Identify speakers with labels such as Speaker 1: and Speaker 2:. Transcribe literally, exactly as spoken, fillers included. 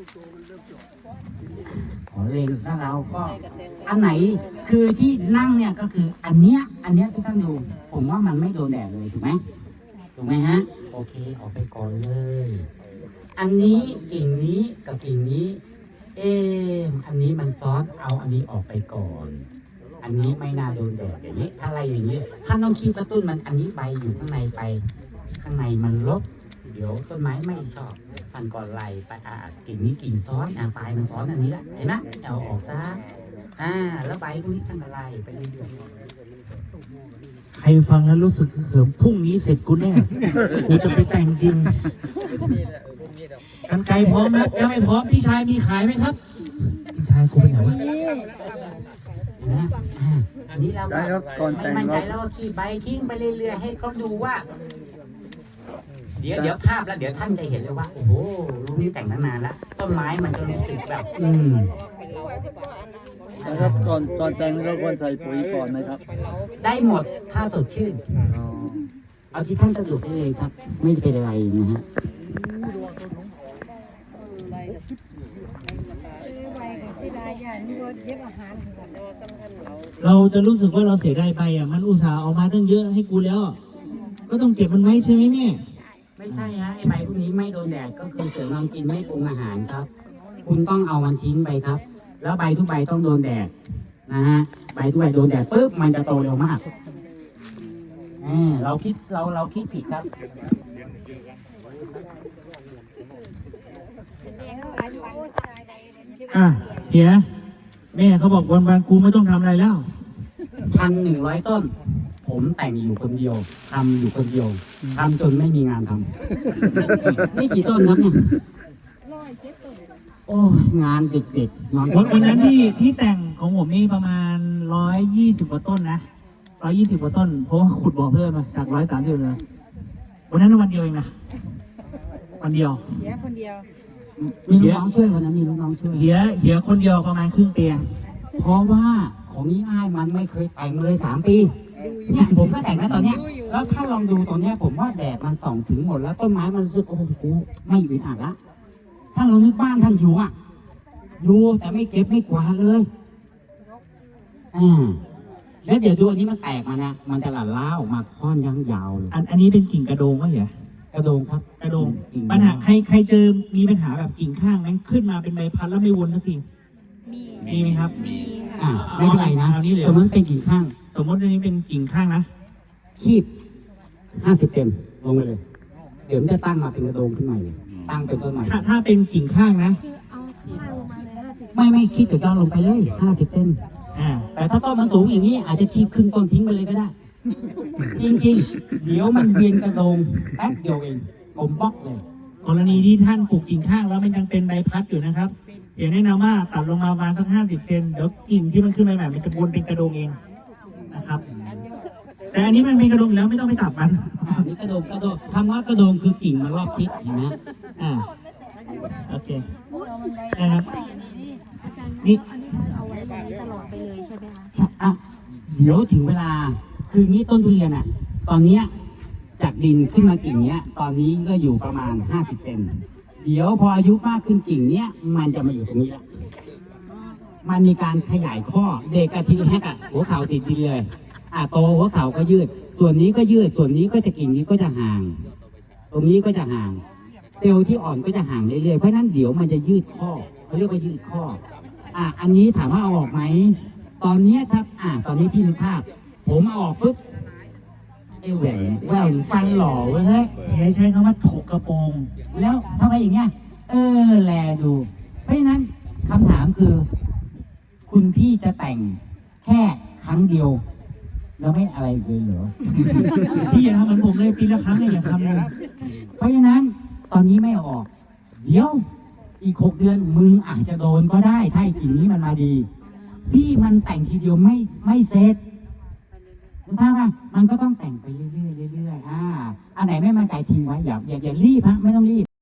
Speaker 1: ขอเลงถ้าเราก็อันไหนคือที่นั่งเนี่ยก็คืออันเนี้ยอันเนี้ยทุกท่านดูผมว่ามันไม่โดนแดดเลยถูกไหมถูกไหมฮะโอเคออกไปก่อนเลยอันนี้กิ่งนี้กับกิ่งนี้เอออันนี้มันซ้อนเอาอันนี้ออกไปก่อนอันนี้ไม่น่าโดนแดดอย่างนี้ถ้าอะไรอย่างนี้ท่านต้องคิดกระตุ้นมันอันนี้ใบอยู่ข้างในไปข้างในมันลบเดี๋ยวต้นไม้ไม่ชอบฟันก่อนไหลไปอ่ากิ่งนี้กิ่งซ้อนอ่าปลายมันซ้อนอันนี้ละเห็นไหมเอาออกซะอ่าแล้วใบพวกนี้ท่านก็ไล่ไปเรื่อยๆ
Speaker 2: ใครฟังแล้วรู้สึกเขิมพรุ่งนี้เสร็จกูแน่ กูจะไปแต่งจริงกันไกลพร้อมไหมยังไม่พร้อมพี่ชายมีขายไหมครับพี่ชายกูไปไหนวะ
Speaker 1: นะอันนี้เราก็ไม่มั่นใจแล้วก็ขีดใบทิ้งไปเรื่อยๆให้เขาดูว่าเดี๋ยวเดี๋ยวภาพแล้วเดี๋ยวท่านจะเห็นเลยว่าโอ้โหรูปนี้แต่งตั้งนานแล้วต้นไม้มันจะรู้สึกแบบอืม
Speaker 3: นะครับก่อนก่อนแต่งเราควรใส่ปุ๋ยก่อนไหมครับ
Speaker 1: ได้หมดถ้าสดชื่นเอาที่ท่านสะดวกได้เลยครับ ไม่เป็นไรนะฮะ
Speaker 2: เราจะรู้สึกว่าเราเสียดายไปอ่ะมันอุตส่าห์เอามาตั้งเยอะให้กูแล้วก็ต้องเก็บมันไว้ใช่ไหมเนี่ย
Speaker 1: ไม่ใช่ฮะไอใบพวกนี้ไม่โดนแดดก็คือเสริมความกินไม่ปรุงอาหารครับ คุณต้องเอามันทิ้งไปครับ แล้วใบทุกใบต้องโดนแดดนะฮะใบทุกใบโดนแดดปุ๊บมันจะโตเร็วมากเออเราคิดเราเราคิดผิดครับ
Speaker 2: อ่ะเฮียแม่เขาบอกวันวันๆกูไม่ต้องทำอะไรแล้ว
Speaker 1: พันหนึ่งร้อยต้น ผมแต่งอยู่คนเดียวทำอยู่คนเดียวทำจนไม่มีงานทำ นี่กี่ต้นครับเนี่ยโอ้งานเด็กๆนอน
Speaker 2: วันวันนั้นที่ที่แต่งของผมนี่ประมาณร้อยยี่สิบกว่าต้นนะร้อยยี่สิบกว่าต้นเพราะว่าขุดบ่อเพิ่มมาจากร้อยสามสิบเลยวันนั้นวันเดียวเองนะวันเดียว
Speaker 4: เสียคนเดียว
Speaker 1: มีลูกน้องช่วยวันนั้นมีลูกน้องช่วย
Speaker 2: เหียเหียคนเดียวประมาณครึ่งเตียง
Speaker 1: เพราะว่าของนี้อ้ายมันไม่เคยแต่งเลยสามปีเนี่ยผมก็แต่งแล้วตอนเนี้ยแล้วถ้าลองดูตอนเนี้ยผมว่าแดดมันส่องถึงหมดแล้วต้นไม้มันรู้สึกโอ้โหกูไม่อึดอัดละถ้าเรานึกบ้านท่านอยู่อ่ะอยู่แต่ไม่เก็บไม่กวาดเลยอ่าแล้วเดี๋ยวดูอันนี้มันแตกมานะมันจะหลั่นล้าออกมาค่อนยังยาวเลย
Speaker 2: อันอันนี้เป็นกิ่งกระโดงวะเหีย
Speaker 1: กระโดงครับ
Speaker 2: กระโดง
Speaker 1: กิ่ง
Speaker 2: ปัญหาใครใครเจอมีปัญหาแบบกิ่งข้างไหมขึ้นมาเป็นใบพัดแล้วไม่วนสักที
Speaker 4: มี
Speaker 2: มีไหมครับ
Speaker 4: มี
Speaker 1: อ่าไม่เป็นไรนะ
Speaker 2: เอานี้เหลือ
Speaker 1: ตรงนั้นเป็นกิ่งข้าง
Speaker 2: สมมติอันนี้เป็นกิ่งข้างนะ
Speaker 1: คีบห้าสิบเต็มลงไปเลย เดี๋ยวมันจะตั้งมาเป็นกระโดงขึ้นมาเลยตั้งเป็นต้นใหม่
Speaker 2: ถ้าถ้าเป็นกิ่งข้างนะ
Speaker 4: คือเอาข้างลงมาเลยห้าสิบ
Speaker 1: ไม่ไม่คีบแต่ย่อลงไปเลยห้าสิบเซน
Speaker 2: อ่า
Speaker 1: แต่ถ้าต้นมันสูงอย่างนี้อาจจะคีบครึ่งต้นทิ้งไปเลยก็ได้ จริงๆ เดี๋ยวมันเวียนกระโดงแป๊บเดียวเองผมบล็อกเลย
Speaker 2: กรณีที่ท่านปลูกกิ่งข้างแล้วมันยังเป็นใบพัดอยู่นะครับเดี๋ยวแนะนำว่าตัดลงมาประมาณสักห้าสิบเซนเดี๋ยวกิ่งที่มันขึ้นใหม่ๆมันจะวนเป็นกระโดงเองนะครับ แต่อันนี้มันเป็นกระโดงแล้วไม่ต้องไปตัดมัน
Speaker 1: อ่านี่กระโดงกระโดงคำว่ากระโดงคือกิ่งมันรอบทิศเห็นไหมอ่า
Speaker 2: โอเคนะครับ
Speaker 4: อาจารย์
Speaker 2: นี่
Speaker 4: อันนี้คือเอาไว้แบบนี้ตลอดไปเลยใช่ไหมคะ
Speaker 1: ใช่อ่ะเดี๋ยวถึงเวลาคืองี้ต้นทุเรียนอ่ะ ตอนเนี้ยจากดินขึ้นมากิ่งเนี้ย ตอนนี้ก็อยู่ประมาณห้าสิบเซนเดี๋ยวพออายุมากขึ้นกิ่งเนี้ยมันจะมาอยู่ตรงนี้ละมันมีการขยายข้อเด็กกะทีแรกอะหัวเข่าติดดินเลยอ่ะโตหัวเข่าก็ยืด ส่วนนี้ก็ยืด ส่วนนี้ก็จะกิ่งนี้ก็จะห่าง ตรงนี้ก็จะห่าง เซลล์ที่อ่อนก็จะห่างเรื่อยๆเพราะฉะนั้นเดี๋ยวมันจะยืดข้อเขาเรียกว่ายืดข้อ อ่ะอันนี้ถามว่าเอาออกไหมตอนเนี้ยครับอ่ะตอนนี้พี่นึกภาพ ผมเอาออกฟึ๊บไอ้แหวนแหวนฟันหล่อเว้ยเฮ้ย
Speaker 2: เดี๋ยวใช้คำว่าถกกระโปรง
Speaker 1: แล้วทำไมอย่างเงี้ย เออ แลดู เพราะฉะนั้นคำถามคือ คุณพี่จะแต่งแค่ครั้งเดียว แล้วไม่อะไรอีกเลยเหรอ
Speaker 2: พี่อย่าทำเหมือนผมเลยปีละครั้งเนี่ยอย่าทำเลย
Speaker 1: เพราะฉะนั้นตอนนี้ไม่เอาออก เดี๋ยว อีกหกเดือนมึงอาจจะโดนก็ได้ถ้าไอ้กิ่งนี้มันมาดี พี่มันแต่งทีเดียวไม่ไม่เสร็จคุณภาพว่ามันก็ต้องแต่งไปเรื่อยๆเรื่อยๆอ่าอันไหนไม่มั่นใจทิ้งไว้อย่าอย่าอย่ารีบฮะไม่ต้องรีบ